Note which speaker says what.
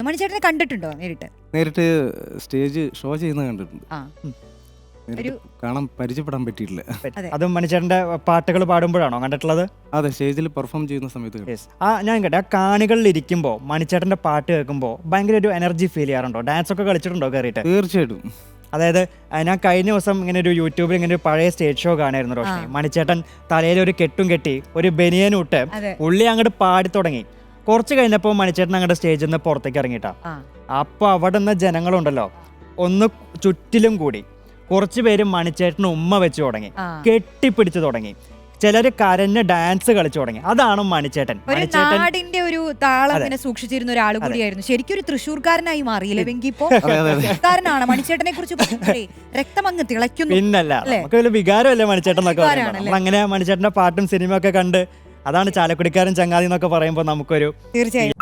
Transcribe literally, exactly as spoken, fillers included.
Speaker 1: മണിച്ചേട്ടനെ കണ്ടിട്ടുണ്ടോ നേരിട്ട്?
Speaker 2: നേരിട്ട് സ്റ്റേജ് ഷോ ചെയ്യുന്നത് കണ്ടിട്ടുണ്ട്.
Speaker 1: ആ
Speaker 2: നേരിട്ട് കാണാൻ പരിചയപ്പെടാൻ പറ്റിയിട്ടില്ല.
Speaker 3: അതും മണിച്ചേട്ടന്റെ പാട്ടുകൾ പാടുമ്പോഴാണോ കണ്ടിട്ടുള്ളത്?
Speaker 2: അതെ, സ്റ്റേജിൽ പെർഫോം ചെയ്യുന്ന സമയത്ത് കണ്ടു.
Speaker 3: ആ ഞാൻ കേട്ടെ, ആ കാണികളിൽ ഇരിക്കുമ്പോൾ മണിച്ചേട്ടന്റെ പാട്ട് കേൾക്കുമ്പോൾ ഭയങ്കര ഒരു എനർജി ഫീൽ ചെയ്യാറുണ്ടോ? ഡാൻസ് ഒക്കെ കളിച്ചിട്ടുണ്ടോ കയറിയിട്ട്?
Speaker 2: തീർച്ചയായിട്ടും.
Speaker 3: അതായത് ഞാൻ കഴിഞ്ഞ ദിവസം ഇങ്ങനെ ഒരു യൂട്യൂബിൽ ഇങ്ങനെ ഒരു പഴയ സ്റ്റേജ് ഷോ കാണായിരുന്നു റോഷ്നി. മണിച്ചേട്ടൻ തലയിൽ ഒരു കെട്ടും കെട്ടി ഒരു ബനിയനും ഇട്ട് ഉള്ളി അങ്ങോട്ട് പാടി തുടങ്ങി. കുറച്ച് കഴിഞ്ഞപ്പോൾ മണിച്ചേട്ടൻ അങ്ങോട്ട് സ്റ്റേജിൽ നിന്ന് പുറത്തേക്ക് ഇറങ്ങിയിട്ടാ. അപ്പൊ അവിടെ നിന്ന് ജനങ്ങളുണ്ടല്ലോ ഒന്ന് ചുറ്റിലും കൂടി കുറച്ച് പേര് മണിച്ചേട്ടന് ഉമ്മ വെച്ച് തുടങ്ങി, കെട്ടിപ്പിടിച്ചു തുടങ്ങി, ചിലര് കരഞ്ഞ് ഡാൻസ് കളിച്ചു തുടങ്ങി. അതാണ് മണിച്ചേട്ടൻ.
Speaker 1: നാടിന്റെ ഒരു താളം ഇങ്ങനെ സൂക്ഷിച്ചിരുന്ന ഒരാൾ കൂടിയായിരുന്നു. ശരിക്കും ഒരു തൃശ്ശൂർക്കാരനായി മാറിയില്ലേ വെങ്കി? ഇപ്പോ തൃശ്ശൂർക്കാരനാണ്. മണിച്ചേട്ടനെ കുറിച്ച് രക്തം അങ്ങ് തിളയ്ക്കുന്നു.
Speaker 3: പിന്നല്ല, നമുക്ക് വലിയ വികാരമല്ലേ മണിച്ചേട്ടൻ എന്നൊക്കെ പറയുമ്പോൾ. അങ്ങനെ മണിച്ചേട്ടന്റെ പാട്ടും സിനിമയൊക്കെ കണ്ട് അതാണ് ചാലക്കുടിക്കാരൻ ചങ്ങാതി എന്നൊക്കെ പറയുമ്പോൾ നമുക്കൊരു
Speaker 1: തീർച്ചയായും